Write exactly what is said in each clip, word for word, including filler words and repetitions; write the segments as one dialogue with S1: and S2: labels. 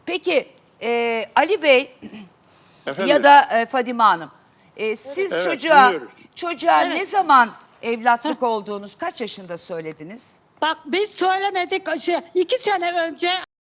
S1: Peki e, Ali Bey
S2: Efendim?
S1: ya da e, Fadime Hanım, e, siz
S2: Evet,
S1: çocuğa
S2: dinliyoruz.
S1: çocuğa
S3: Evet.
S1: ne zaman evlatlık olduğunuz kaç yaşında söylediniz?
S3: Bak biz söylemedik. Şey, iki sene önce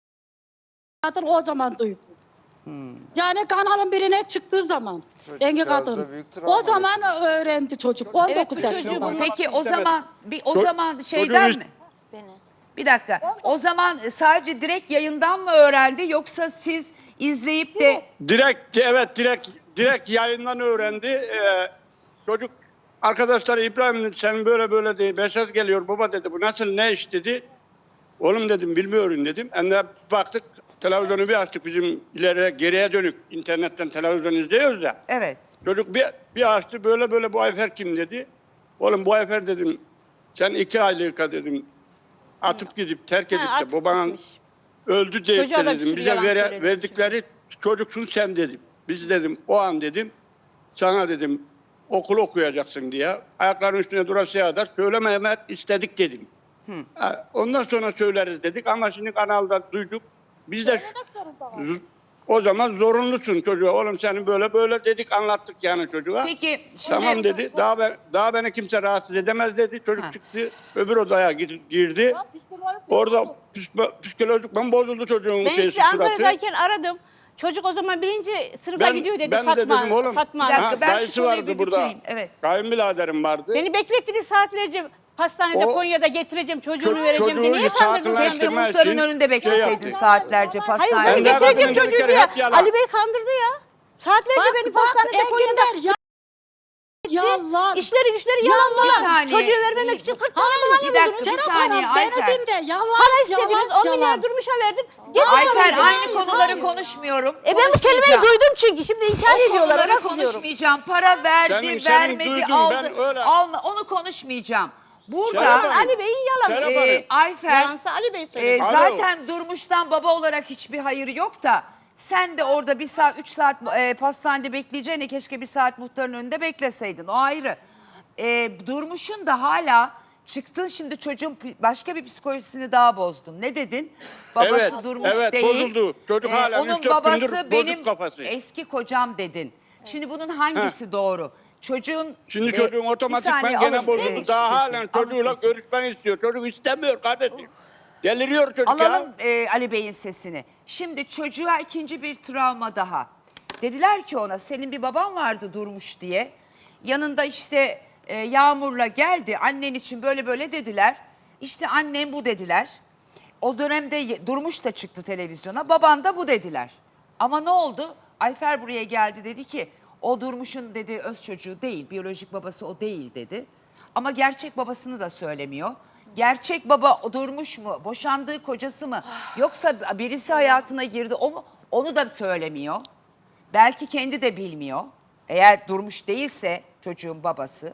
S3: kadın o zaman duydum.
S1: Hmm.
S3: Yani kanalın birine çıktığı zaman.
S4: Çocuk
S3: Engin
S4: biraz da
S3: kadın.
S4: büyük travma
S3: O zaman
S4: geçirmiş.
S3: öğrendi çocuk. on dokuz
S5: bu çocuğu
S3: yaşında.
S5: bunu-
S1: Peki o
S2: istemedim.
S1: zaman bir o
S2: Ço-
S1: zaman şeyden
S2: çocuğu-
S1: mi?
S5: Beni.
S1: Bir dakika. O zaman sadece direkt yayından mı öğrendi yoksa siz izleyip de
S2: Direkt, evet direkt direkt yayından öğrendi. Ee, çocuk arkadaşları İbrahim dedi, sen böyle böyle diye mesaj geliyor baba dedi. Bu nasıl ne iş dedi. Oğlum dedim bilmiyorum dedim. Hem de baktık televizyonu bir açtık bizim ileriye geriye dönük internetten televizyon izliyoruz ya.
S1: evet.
S2: Çocuk bir, bir açtı böyle böyle bu Ayfer kim dedi. Oğlum bu Ayfer dedim sen iki aylıka dedim atıp gidip terk edip
S5: Ha,
S2: de
S5: atıp
S2: baban
S5: gitmiş.
S2: öldü deyip
S5: Çocuğa
S2: de
S5: da bir
S2: dedim
S5: sürü
S2: bize
S5: yalan
S2: vere,
S5: söyledi
S2: verdikleri çocuksun sen dedim. Biz dedim o an dedim sana dedim okul okuyacaksın diye ayaklarının üstüne durasıya kadar söyleme Mehmet istedik dedim. Ha, ondan sonra söyleriz dedik ama şimdi kanalda duyduk. Biz de z- o zaman zorunlusun çocuğa. Oğlum senin böyle böyle dedik anlattık yani çocuğa.
S1: Peki şimdi
S2: Tamam dedi. Daha ben, daha beni kimse rahatsız edemez dedi. Çocuk
S1: Ha.
S2: çıktı. Öbür odaya gir- girdi. Orada psiko- psikolojik ben bozuldu çocuğun
S5: Ben
S2: şey,
S5: sizi
S2: suratı.
S5: Ankara'dayken aradım. Çocuk o zaman birinci sınıfa
S2: Ben-
S5: gidiyor dedi
S2: ben de
S5: Fatma.
S2: dedim oğlum.
S5: Fatma.
S1: Bir dakika,
S2: Ha,
S1: ben şu
S2: dayısı
S1: konuyu
S2: vardı
S1: bir
S2: burada.
S1: bitireyim, evet.
S2: Kayınbiraderim vardı.
S5: Beni beklettiniz saatlerce. Hastanede
S2: O-
S5: Konya'da getireceğim çocuğunu
S2: Ço-
S5: vereceğim diye.
S2: çocuğu
S5: Niye
S2: hiç
S5: kandırdınız
S1: keşke
S2: sakinleştirme-
S5: beni?
S1: muhtarın
S2: için
S1: önünde
S2: şey
S1: bekleseydin
S2: yaptı.
S1: saatlerce
S5: Hayır
S1: pastanede.
S5: beni
S2: Ben de
S5: getireceğim
S2: kadının
S5: çocuğu
S2: dedikleri
S5: diye.
S2: hep yalan.
S5: Ali Bey kandırdı ya. Saatlerce
S3: Bak
S5: beni
S3: bak
S5: pastanede Konya'da
S3: Enginler ya. Yalan.
S5: işleri güçleri
S3: Yalan.
S5: yalan
S1: Bir
S5: dolan.
S1: saniye.
S5: Çocuğu vermemek için kırk tane
S3: Hayır,
S1: bir
S5: bahane
S1: dakika,
S5: buldunuz.
S1: bir
S3: Serap
S1: saniye,
S3: Hanım beni
S1: Ayfer.
S3: dinle. Yalan.
S5: Para istediniz
S3: yalan,
S5: on milyar
S3: yalan.
S5: durmuşa verdim.
S1: Ayfer
S5: Getirdim.
S1: aynı
S3: hayır,
S1: konuları
S3: hayır.
S1: konuşmuyorum.
S5: E ben bu kelimeyi
S1: Konuşmayacağım.
S5: duydum çünkü şimdi inkar
S1: O
S5: ediyorlar.
S1: konuları
S5: Ona kızıyorum.
S1: konuşmayacağım. Para verdi,
S2: Senin- senin
S1: vermedi,
S2: duydun,
S1: aldı.
S2: ben öyle-
S1: Alma, onu konuşmayacağım. Burada
S2: Serap Hanım.
S5: Ali Bey'in yalanı.
S2: Serap
S1: e,
S2: Hanım.
S1: Ayfer
S5: Yalansa Ali Bey
S1: e,
S5: söyledi.
S2: Alo.
S1: zaten Durmuş'tan baba olarak hiçbir hayır yok da sen de orada bir saat, üç saat e, pastanede bekleyeceğine keşke bir saat muhtarın önünde bekleseydin. O ayrı. E, Durmuş'un da hala çıktın şimdi çocuğun pi- başka bir psikolojisini daha bozdun. Ne dedin? Babası
S2: Evet,
S1: Durmuş
S2: evet,
S1: değil. E,
S2: bozuldu. Çocuk hala
S1: onun
S2: üç dört
S1: babası
S2: gündür bozuk
S1: benim
S2: kafası.
S1: eski kocam dedin. Şimdi bunun hangisi doğru? Çocuğun
S2: Şimdi
S1: e,
S2: çocuğun
S1: bir
S2: otomatikman
S1: saniye
S2: gene
S1: alın,
S2: bozuldu.
S1: e,
S2: Daha
S1: sesini,
S2: halen
S1: alın
S2: çocuğuyla
S1: sesini.
S2: görüşmek istiyor. Çocuk istemiyor kardeşim. Deliriyor çocuk
S1: Alalım
S2: ya.
S1: e, Ali Bey'in sesini. Şimdi çocuğa ikinci bir travma daha. Dediler ki ona senin bir baban vardı Durmuş diye. Yanında işte e, Yağmur'la geldi annen için böyle böyle dediler. İşte annem bu dediler. O dönemde ye- Durmuş da çıktı televizyona. Baban da bu dediler. Ama ne oldu? Ayfer buraya geldi dedi ki o Durmuş'un dedi öz çocuğu değil. Biyolojik babası o değil dedi. Ama gerçek babasını da söylemiyor. Gerçek baba o Durmuş mu? Boşandığı kocası mı? Yoksa birisi hayatına girdi o mu? Onu da söylemiyor. Belki kendi de bilmiyor. Eğer Durmuş değilse çocuğun babası.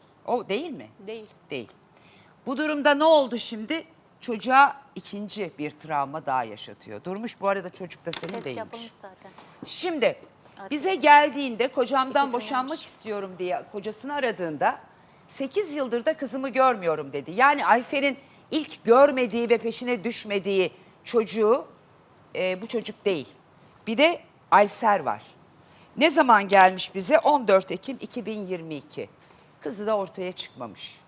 S1: O değil mi?
S5: Değil.
S1: Değil. Bu durumda ne oldu şimdi? Çocuğa ikinci bir travma daha yaşatıyor. Durmuş bu arada çocuk da senin
S5: Test
S1: değilmiş.
S5: yapılmış zaten.
S1: Şimdi bize geldiğinde kocamdan
S5: İkisi
S1: boşanmak
S5: varmış.
S1: istiyorum diye kocasını aradığında sekiz yıldır da kızımı görmüyorum dedi. Yani Ayfer'in ilk görmediği ve peşine düşmediği çocuğu e, bu çocuk değil. Bir de Ayser var. Ne zaman gelmiş bize? on dört Ekim iki bin yirmi iki. Kızı da ortaya çıkmamış.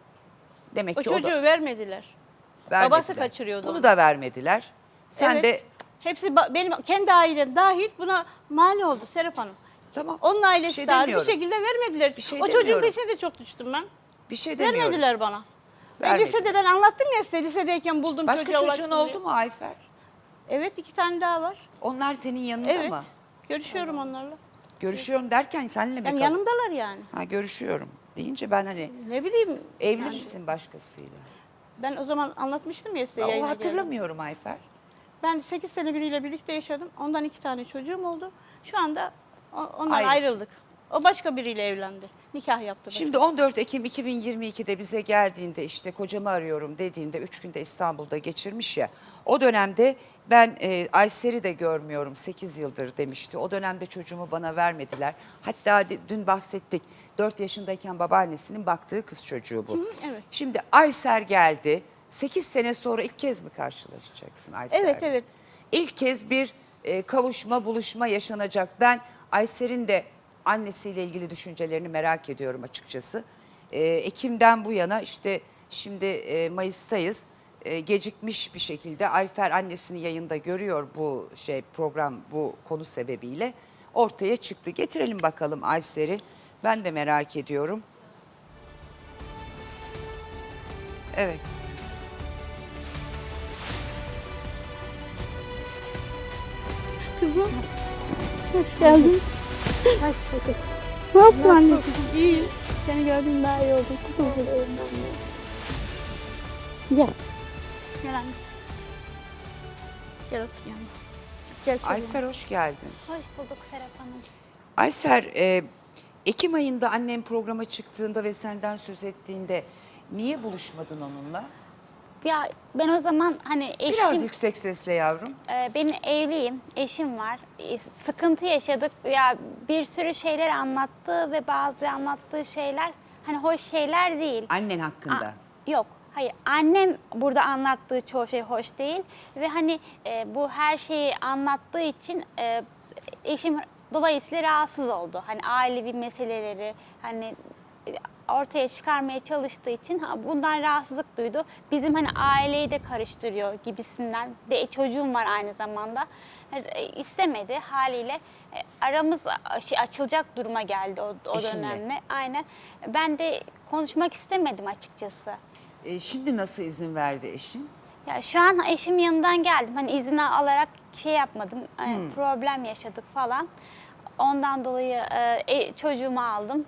S1: Demek
S5: O
S1: ki o
S5: çocuğu
S1: da
S5: vermediler.
S1: vermediler.
S5: babası kaçırıyordu
S1: Bunu
S5: onu.
S1: da vermediler. Sen
S5: Evet.
S1: de
S5: Hepsi ba- benim kendi ailem dahil buna mani oldu Serap Hanım.
S1: tamam.
S5: Onun ailesi
S1: Bir şey
S5: dahil bir
S1: demiyorum.
S5: şekilde vermediler.
S1: Bir şey
S5: o çocuğun
S1: demiyorum.
S5: peşine de çok düştüm ben.
S1: Bir şey demiyorum.
S5: Vermediler bana. Ben
S1: Vermediler.
S5: lisede ben anlattım ya size lisedeyken buldum
S1: Başka
S5: çocuğa
S1: çocuğun
S5: ulaştım
S1: oldu
S5: diye.
S1: mu Ayfer?
S5: Evet iki tane daha var.
S1: Onlar senin yanında
S5: Evet.
S1: mı?
S5: Görüşüyorum onlarla.
S1: Görüşüyorum derken seninle mi?
S5: Yani
S1: kal-
S5: yanımdalar yani.
S1: Ha görüşüyorum deyince ben hani
S5: Ne bileyim.
S1: evli
S5: yani
S1: misin başkasıyla?
S5: Ben o zaman anlatmıştım ya size
S1: Ya, o
S5: yayına geldim.
S1: hatırlamıyorum Ayfer.
S5: Ben sekiz sene biriyle birlikte yaşadım. Ondan iki tane çocuğum oldu. Şu anda o- ondan
S1: Ayrısın.
S5: ayrıldık. O başka biriyle evlendi. Nikah yaptı. başka.
S1: Şimdi on dört Ekim iki bin yirmi ikide bize geldiğinde işte kocamı arıyorum dediğinde üç günde İstanbul'da geçirmiş ya. O dönemde ben e, Ayser'i de görmüyorum sekiz yıldır demişti. O dönemde çocuğumu bana vermediler. Hatta de- dün bahsettik dört yaşındayken babaannesinin baktığı kız çocuğu bu.
S5: evet.
S1: Şimdi Ayser geldi. sekiz sene sonra ilk kez mi karşılaşacaksın Ayser'le?
S5: Evet evet.
S1: ilk kez bir e, kavuşma, buluşma yaşanacak. Ben Ayser'in de annesiyle ilgili düşüncelerini merak ediyorum açıkçası. E, Ekim'den bu yana işte şimdi e, Mayıs'tayız. E, gecikmiş bir şekilde Ayfer annesini yayında görüyor bu şey program bu konu sebebiyle ortaya çıktı. Getirelim bakalım Ayser'i. Ben de merak ediyorum. Evet.
S5: Kızım. Hoş geldin.
S3: Hoş bulduk.
S5: Ne yaptın anneciğim? İyi. Seni gördüm daha iyi oldum. Kuzum. Gel. Gel anne. Gel otur yanıma. Gel şöyle.
S1: Ayser hoş geldin.
S4: Hoş bulduk Serap Hanım.
S1: Ayser, e, Ekim ayında annem programa çıktığında ve senden söz ettiğinde niye buluşmadın onunla?
S4: Ya ben o zaman hani eşim,
S1: Biraz yüksek sesle yavrum.
S4: e, ben evliyim, eşim var. E, sıkıntı yaşadık. Ya bir sürü şeyler anlattı ve bazı anlattığı şeyler hani hoş şeyler değil.
S1: Annen hakkında.
S4: A- yok. Hayır, annem burada anlattığı çoğu şey hoş değil ve hani e, bu her şeyi anlattığı için e, eşim dolayısıyla rahatsız oldu. Hani ailevi meseleleri hani e, ortaya çıkarmaya çalıştığı için ha, bundan rahatsızlık duydu. Bizim hani aileyi de karıştırıyor gibisinden. De çocuğum var aynı zamanda. E, istemedi haliyle. E, aramız a- şey, açılacak duruma geldi o, o
S1: Eşinle.
S4: dönemde. Aynen. Ben de konuşmak istemedim açıkçası.
S1: E, şimdi nasıl izin verdi eşin?
S4: Ya şu an eşim yanından geldim. Hani izin alarak şey yapmadım. Hani
S1: Hmm.
S4: problem yaşadık falan. Ondan dolayı e, e, çocuğumu aldım.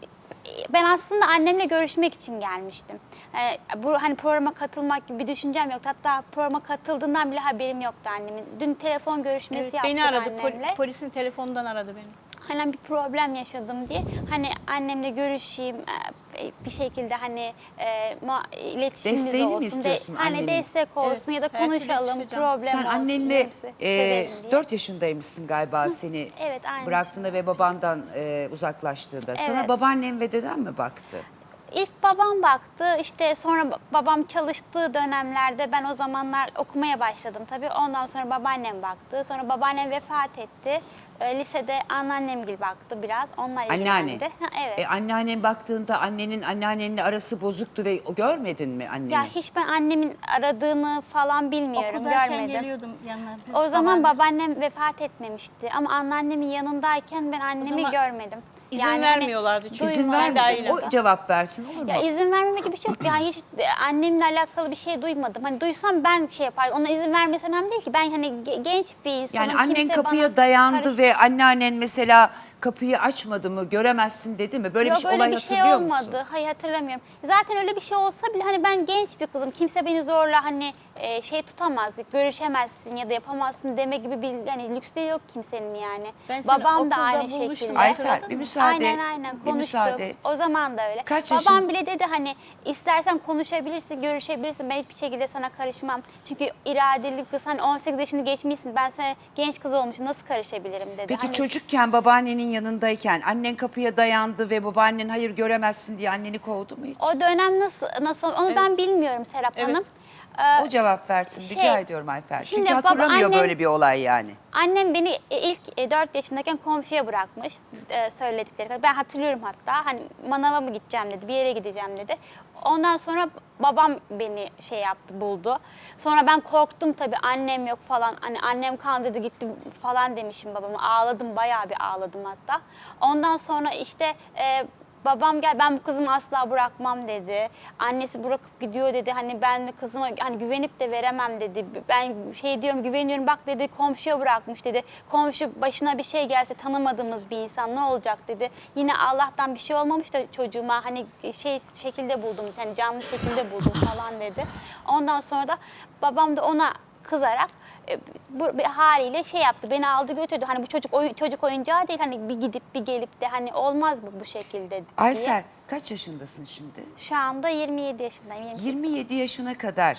S4: E, Ben aslında annemle görüşmek için gelmiştim. E, bu hani programa katılmak gibi bir düşüncem yoktu. Hatta programa katıldığından bile haberim yoktu annemin. Dün telefon görüşmesi
S5: Evet,
S4: yaptık
S5: beni aradı. Pol-
S4: annemle.
S5: polisin telefonundan aradı beni.
S4: Hani bir problem yaşadım diye hani annemle görüşeyim e, bir şekilde hani e, ma- iletişimimiz
S1: Desteğini mi
S4: olsun.
S1: istiyorsun
S4: hani
S1: annenin?
S4: destek olsun
S5: Evet,
S4: ya da
S5: her türlü
S4: konuşalım
S5: çıkacağım.
S4: problem
S1: Sen
S4: olsun.
S1: annenle
S4: hepsi
S1: e,
S4: çözelim diye.
S1: dört yaşındaymışsın galiba seni
S4: evet, aynı
S1: bıraktığında ve babandan e, uzaklaştığında. Sana
S4: Evet.
S1: babaannem ve deden mi baktı?
S4: İlk babam baktı işte sonra ba- babam çalıştığı dönemlerde ben o zamanlar okumaya başladım tabii. Ondan sonra babaannem baktı. Sonra babaannem vefat etti. E, lisede anneannemgil baktı biraz. Onlar
S1: Anneanne.
S4: ilgilendi. Ha, evet.
S1: E, anneannen baktığında annenin anneannenle arası bozuktu ve o görmedin mi anneni?
S4: Ya hiç ben annemin aradığını falan bilmiyorum,
S5: Okuldayken
S4: görmedim.
S5: geliyordum yanlarına.
S4: O zaman
S5: Babaanne.
S4: babaannem vefat etmemişti ama anneannemin yanındayken ben annemi
S5: zaman
S4: görmedim.
S5: izin
S4: hani
S5: vermiyorlardı çünkü.
S1: İzin
S4: duymadım.
S1: vermedi.
S5: Dahil.
S1: O cevap versin olur mu?
S4: Ya izin vermeme gibi bir şey yok. Yani hiç annemle alakalı bir şey duymadım. Hani duysam ben şey yapardım. Ona izin vermesi önemli değil ki. Ben hani ge- genç bir insanım.
S1: Yani annen
S4: Kimse
S1: kapıya
S4: bana
S1: dayandı
S4: karış-
S1: ve anneannen mesela kapıyı açmadı mı göremezsin dedi mi? Böyle
S4: Yok
S1: bir şey,
S4: öyle
S1: olay
S4: bir şey
S1: hatırlıyor
S4: olmadı.
S1: musun?
S4: Hayır hatırlamıyorum. Zaten öyle bir şey olsa bile hani ben genç bir kızım. Kimse beni zorla hani e, şey tutamaz, görüşemezsin ya da yapamazsın deme gibi bir hani lüksleri yok kimsenin yani.
S5: Ben seni
S4: Babam da
S5: okulda
S4: aynı
S5: bulmuştum.
S4: şekilde.
S1: Ayfer
S5: Hatırladın
S1: bir
S5: mı?
S1: müsaade
S4: Aynen
S1: et.
S4: aynen
S1: Bir
S4: konuştuk.
S1: müsaade et.
S4: O zaman da öyle.
S1: Kaç
S4: Babam
S1: yaşın-
S4: bile dedi hani istersen konuşabilirsin, görüşebilirsin. Ben hiçbir şekilde sana karışmam. Çünkü iradeli bir kız hani on sekiz yaşını geçmişsin. Ben sana genç kız olmuşum nasıl karışabilirim dedi.
S1: Peki
S4: Hani-
S1: çocukken babaannenin yanındayken annen kapıya dayandı ve babaannen hayır göremezsin diye anneni kovdu mu hiç?
S4: O dönem nasıl nasıl onu ben bilmiyorum Serap
S5: Evet.
S4: Hanım. Ee,
S1: O cevap versin
S4: şey,
S1: rica ediyorum Ayfer.
S4: şimdi
S1: Çünkü
S4: baba-
S1: hatırlamıyor
S4: annem-
S1: böyle bir olay yani.
S4: Annem beni ilk dört yaşındayken komşuya bırakmış e, söyledikleri kadar. Ben hatırlıyorum hatta hani manava mı gideceğim dedi, bir yere gideceğim dedi. Ondan sonra babam beni şey yaptı, buldu. Sonra ben korktum tabii annem yok falan. Hani annem kandırdı gitti falan demişim babama. Ağladım, bayağı bir ağladım hatta. Ondan sonra işte e, babam gel ben bu kızımı asla bırakmam dedi. Annesi bırakıp gidiyor dedi. Hani ben de kızıma hani güvenip de veremem dedi. Ben şey diyorum güveniyorum bak dedi komşuya bırakmış dedi. Komşu başına bir şey gelse tanımadığımız bir insan ne olacak dedi. Yine Allah'tan bir şey olmamış da çocuğuma hani şey şekilde buldum. Hani canlı şekilde buldum falan dedi. Ondan sonra da babam da ona kızarak e, bu bir haliyle şey yaptı. Beni aldı götürdü. Hani bu çocuk oyun, çocuk oyuncağı değil. Hani bir gidip bir gelip de hani olmaz bu bu şekilde diye.
S1: Ayser kaç yaşındasın şimdi?
S4: Şu anda yirmi yedi yaşındayım. yirmi sekiz.
S1: yirmi yedi yaşına kadar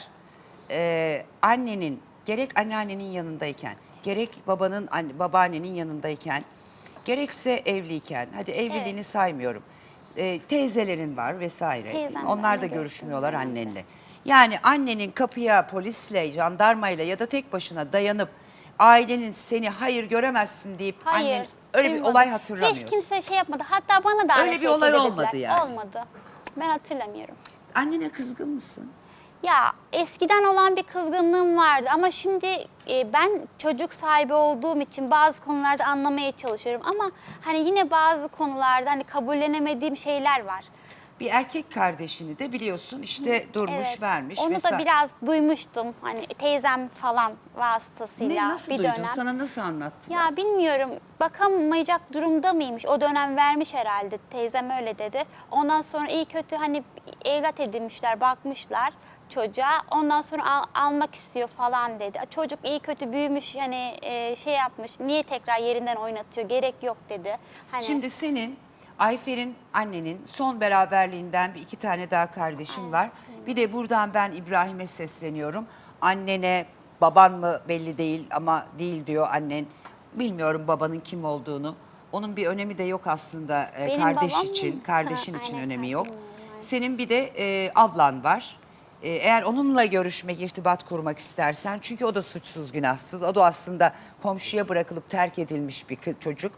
S1: e, annenin gerek anneannenin yanındayken gerek babanın anne, babaannenin yanındayken gerekse evliyken hadi evliliğini
S4: Evet.
S1: saymıyorum. E, teyzelerin var vesaire.
S4: Teyzemle
S1: Onlar da
S4: anne
S1: görüşmüyorlar
S4: görüşmüyor.
S1: annenle. Yani annenin kapıya polisle, jandarmayla ya da tek başına dayanıp ailenin seni hayır göremezsin deyip
S4: Hayır.
S1: annen öyle bir
S4: duymadım.
S1: olay hatırlamıyorsun.
S4: Hiç kimse şey yapmadı. Hatta bana da aynı
S1: Öyle bir
S4: şekilde
S1: olay
S4: dediler.
S1: olmadı yani.
S4: Olmadı. Ben hatırlamıyorum.
S1: Annene kızgın mısın?
S4: Ya eskiden olan bir kızgınlığım vardı ama şimdi e, ben çocuk sahibi olduğum için bazı konularda anlamaya çalışıyorum ama hani yine bazı konularda hani kabullenemediğim şeyler var.
S1: Bir erkek kardeşini de biliyorsun işte durmuş
S4: Evet.
S1: vermiş.
S4: Onu
S1: vesaire.
S4: da biraz duymuştum hani teyzem falan
S1: Ne,
S4: vasıtasıyla
S1: nasıl
S4: bir
S1: duydun?
S4: dönem.
S1: Sana nasıl anlattı?
S4: Ya bilmiyorum bakamayacak durumda mıymış? O dönem vermiş herhalde. Teyzem öyle dedi. Ondan sonra iyi kötü hani evlat edinmişler, bakmışlar çocuğa. Ondan sonra al- almak istiyor falan dedi. Çocuk iyi kötü büyümüş hani e, şey yapmış. Niye tekrar yerinden oynatıyor? Gerek yok dedi. Hani
S1: Şimdi senin Ayfer'in annenin son beraberliğinden bir iki tane daha kardeşin var. Bir de buradan ben İbrahim'e sesleniyorum. Annene baban mı belli değil ama değil diyor annen. Bilmiyorum babanın kim olduğunu. Onun bir önemi de yok aslında e,
S4: Benim
S1: kardeş
S4: babam mı?
S1: için, kardeşin
S4: Ha,
S1: için
S4: aynen,
S1: önemi
S4: ha,
S1: yok.
S4: bilmiyorum, aynen.
S1: Senin bir de e, ablan var. E, eğer onunla görüşmek, irtibat kurmak istersen çünkü o da suçsuz günahsız. O da aslında komşuya bırakılıp terk edilmiş bir kız- çocuk.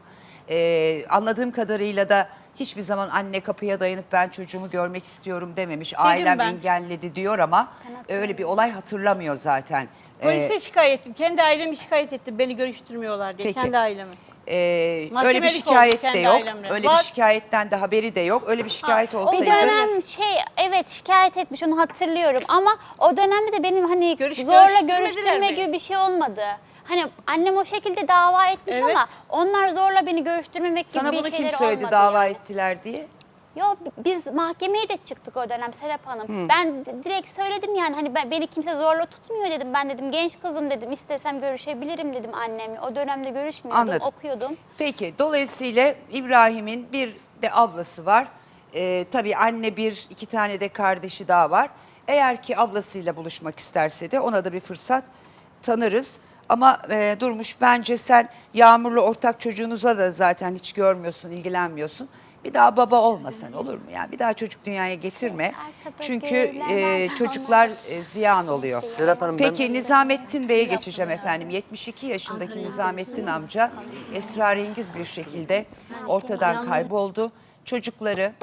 S1: E, anladığım kadarıyla da hiçbir zaman anne kapıya dayanıp ben çocuğumu görmek istiyorum dememiş. Ailem
S5: ben.
S1: engelledi diyor ama öyle bir olay hatırlamıyor zaten. E,
S5: Polise şikayet ettim. Kendi ailemi şikayet ettim. Beni görüştürmüyorlar diye.
S1: Peki.
S5: Kendi ailemi.
S1: e, öyle bir
S5: Mahkemelik
S1: şikayet
S5: oldu
S1: de
S5: kendi
S1: yok.
S5: ailemle.
S1: Öyle
S5: Var.
S1: bir şikayetten de haberi de yok. Öyle bir şikayet
S5: Ha, o
S1: olsaydı.
S4: bir dönem şey evet şikayet etmiş onu hatırlıyorum ama o dönemde de benim hani
S5: Görüş-
S4: zorla
S5: görüştürmediler
S4: görüştürme
S5: mi?
S4: gibi bir şey olmadı. Hani annem o şekilde dava etmiş
S5: Evet.
S4: ama onlar zorla beni görüştürmemek gibi
S1: Sana
S4: bir
S1: bunu kim
S4: şeyleri
S1: söyledi
S4: olmadı
S1: dava
S4: yani.
S1: ettiler diye?
S4: Yok biz mahkemeye de çıktık o dönem Serap Hanım. Ben d- direkt söyledim yani hani ben, beni kimse zorla tutmuyor dedim. Ben dedim genç kızım dedim istesem görüşebilirim dedim annemle. O dönemde görüşmüyordum
S1: Anladım.
S4: okuyordum.
S1: Peki dolayısıyla İbrahim'in bir de ablası var. Ee, tabii anne bir, iki tane de kardeşi daha var. Eğer ki ablasıyla buluşmak isterse de ona da bir fırsat tanırız. Ama e, Durmuş bence sen Yağmur'la ortak çocuğunuza da zaten hiç görmüyorsun, ilgilenmiyorsun. Bir daha baba olmasan olur mu? Yani bir daha çocuk dünyaya getirme.
S4: Arkada
S1: Çünkü e,
S4: görülen
S1: çocuklar e, ziyan oluyor.
S6: Serap Hanım, ben-
S1: Peki Nizamettin Bey'e geçeceğim efendim. yetmiş iki yaşındaki Nizamettin amca esrarengiz bir şekilde ortadan kayboldu. Çocukları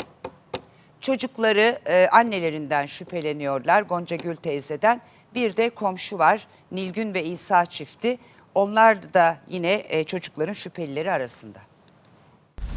S1: çocukları e, annelerinden şüpheleniyorlar. Gonca Gül teyzeden. Bir de komşu var. Nilgün ve İsa çifti. Onlar da yine e, çocukların şüphelileri arasında.